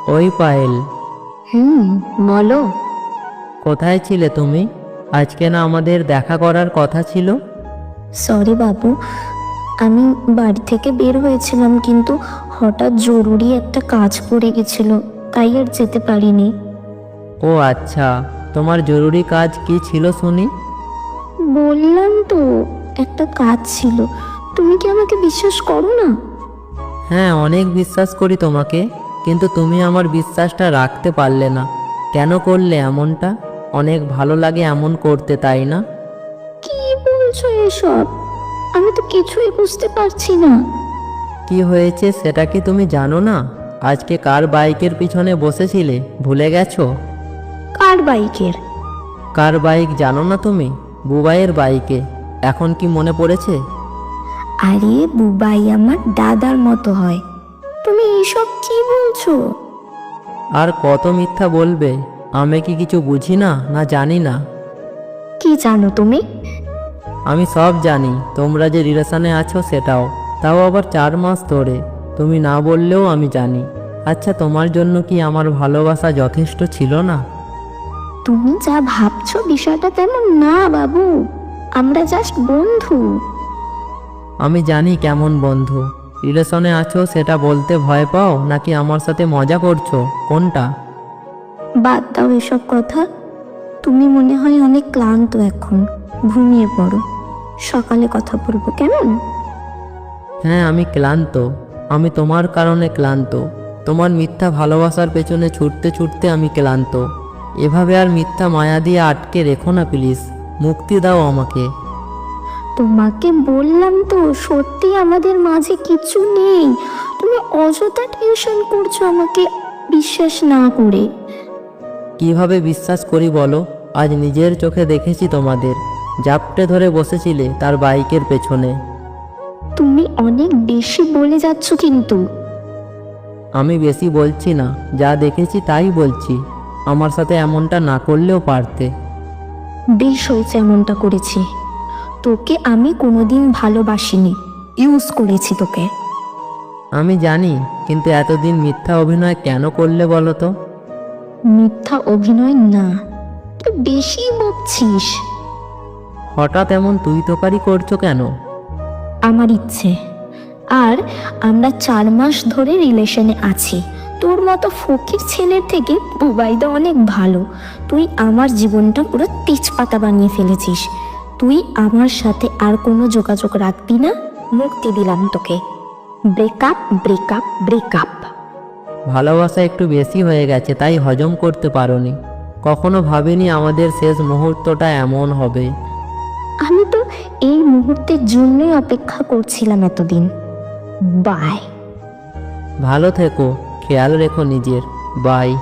ওই পায়েল, বলো। কোথায় ছিলে তুমি? আজকে না আমাদের দেখা করার কথা ছিল? সরি বাবু, আমি বাড়ি থেকে বের হয়েছিলাম, কিন্তু হঠাৎ জরুরি একটা কাজ পড়ে গেছিল, তাই আর যেতে পারিনি। ও আচ্ছা, তোমার জরুরি কাজ কি ছিল শুনি? বললাম তো, একটা কাজ ছিল। তুমি কি আমাকে বিশ্বাস করো না? হ্যাঁ, অনেক বিশ্বাস করি তোমাকে, কিন্তু তুমি আমার বিশ্বাসটা রাখতে পারলে না। কেন করলে এমনটা? অনেক ভালো লাগে এমন করতে, তাই না? কি বলছো এসব? আমি তো কিছুই বুঝতে পারছি না। কি হয়েছে সেটা কি তুমি জানো না? আজকে কার বাইকের পিছনে বসেছিলে, ভুলে গেছো? কার বাইকের? কার বাইক জানো না তুমি? বুবাইয়ের বাইকে। এখন কি মনে পড়েছে? আরে বুবাই আমার দাদার মতো হয়। তুমি এসব কি বলছো? আর কত মিথ্যা বলবে? আমি কি কিছু বুঝি না, না জানি না? কি জানো তুমি? আমি সব জানি, তোমরা যে রিলেশনে আছো সেটাও, তাও আবার 4 মাস ধরে। তুমি না বললেও আমি জানি। আচ্ছা, তোমার জন্য কি আমার ভালোবাসা যথেষ্ট ছিল না? তুমি যা ভাবছো বিষয়টা তেমন না বাবু, আমরা জাস্ট বন্ধু। আমি জানি কেমন বন্ধু। রিলেশনে আছো সেটা বলতে ভয় পাও, নাকি আমার সাথে মজা করছো, কোনটা? বাদ দাও এসব কথা। তুমি মনে হয় অনেক ক্লান্ত এখন, ঘুমিয়ে পড়ো, সকালে কথা বলবো কেমন? হ্যাঁ, আমি ক্লান্ত। আমি তোমার কারণে ক্লান্ত। তোমার মিথ্যা ভালোবাসার পেছনে ছুটতে ছুটতে আমি ক্লান্ত। এভাবে আর মিথ্যা মায়া দিয়ে আটকে রেখো না প্লিজ। মুক্তি দাও আমাকে। তোমাকে বললাম তো, সত্যি আমাদের মাঝে কিছু নেই। তুমি অযথা টেনশন করছো আমাকে বিশ্বাস না করে। কিভাবে বিশ্বাস করি বলো? আজ নিজের চোখে দেখেছি তোমাদের জাপটে ধরে বসেছিলে তার বাইকের পেছনে। তুমি অনেক বেশি বলে যাচ্ছ কিন্তু। আমি বেশি বলছি না, যা দেখেছি তাই বলছি। আমার সাথে এমনটা না করলেও পারতে। বেশ হয়েছে এমনটা করেছি। তোকে আমি কোনোদিন ভালোবাসিনি, ইউজ করেছি তোকে। আমি জানি, কিন্তু এতদিন মিথ্যা অভিনয় কেন করলে বলো তো? মিথ্যা অভিনয় না, তুই বেশি বকছিস। হঠাৎ এমন তুই তোকারি করছো কেন? আমার ইচ্ছে। আর আমরা 4 মাস ধরে রিলেশনে আছি। তোর মতো ফকির ছেলের থেকে বুবাইদা অনেক ভালো। তুই আমার জীবনটা পুরো তেজপাতা বানিয়ে ফেলেছিস। তুই আমার সাথে আর কোনো যোগাযোগ রাখবি না, মুক্তি দিলাম তোকে। Breakup, breakup, breakup. ভালোবাসা একটু বেশি হয়ে গেছে, তাই হজম করতে পারোনি। কখনো ভাবিনি আমাদের শেষ মুহূর্তটা এমন হবে। আমি তো এই মুহূর্তের জন্যই অপেক্ষা করছিলাম এতদিন। বাই। ভালো থেকো, খেয়াল রেখো নিজের। বাই।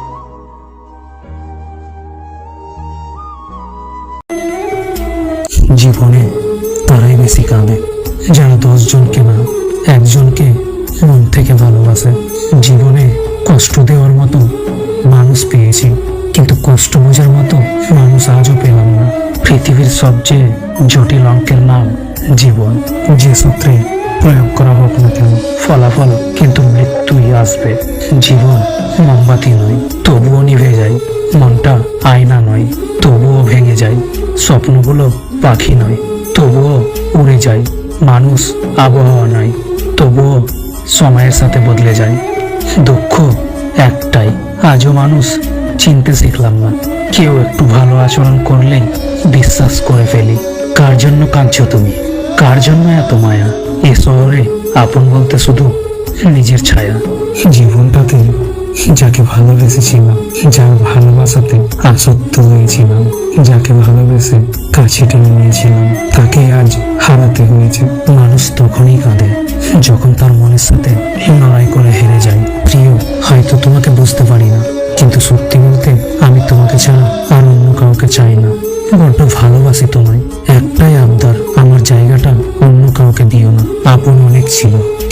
জীবনে তারাই বেশি কাঁদে যারা 10 জনকে না, একজনকে মন থেকে ভালোবাসে। জীবনে কষ্ট দেওয়ার মতো মানুষ পেয়েছি, কিন্তু কষ্ট বোঝার মতো মানুষ আজও পেলাম না। পৃথিবীর সবচেয়ে জটিল অঙ্কের নাম জীবন। যে সূত্রে প্রয়োগ করা হোক না কেন, ফলাফল কিন্তু মৃত্যুই আসবে। জীবন মোমবাতি নয়, তবুও নিভে যায়। মনটা আয়না নয়, তবুও ভেঙে যায়। স্বপ্নগুলো পাখি নয়, তবুও উড়ে যায়। মানুষ আবহাওয়া নয়, তবুও সময়ের সাথে বদলে যায়। দুঃখ একটাই, আজও মানুষ চিনতে শিখলাম না। কেউ একটু ভালো আচরণ করলেই বিশ্বাস করে ফেলি। কার জন্য কাঁদছো তুমি? কার জন্য এত মায়া? এ শহরে আপন বলতে শুধু নিজের ছায়া। জীবনটাতে যাকে ভালোবেসেছিলাম, যার ভালোবাসাতে আসক্ত হয়েছিলাম, যাকে ভালোবেসে কাছে টেনে নিয়েছিলাম, তাকে আজ হারাতে হয়েছে। মানুষ তখনই কাঁদে যখন তার মনের সাথে লড়াই করে হেরে যায়। প্রিয়, হয়তো তোমাকে বুঝতে পারি না, কিন্তু সত্যি বলতে আমি তোমাকে ছাড়া আর অন্য কাউকে চাই না। বড্ড ভালোবাসি তোমায়। একটাই আবদার, আমার জায়গাটা অন্য কাউকে দিও না। আপন অনেক ছিল,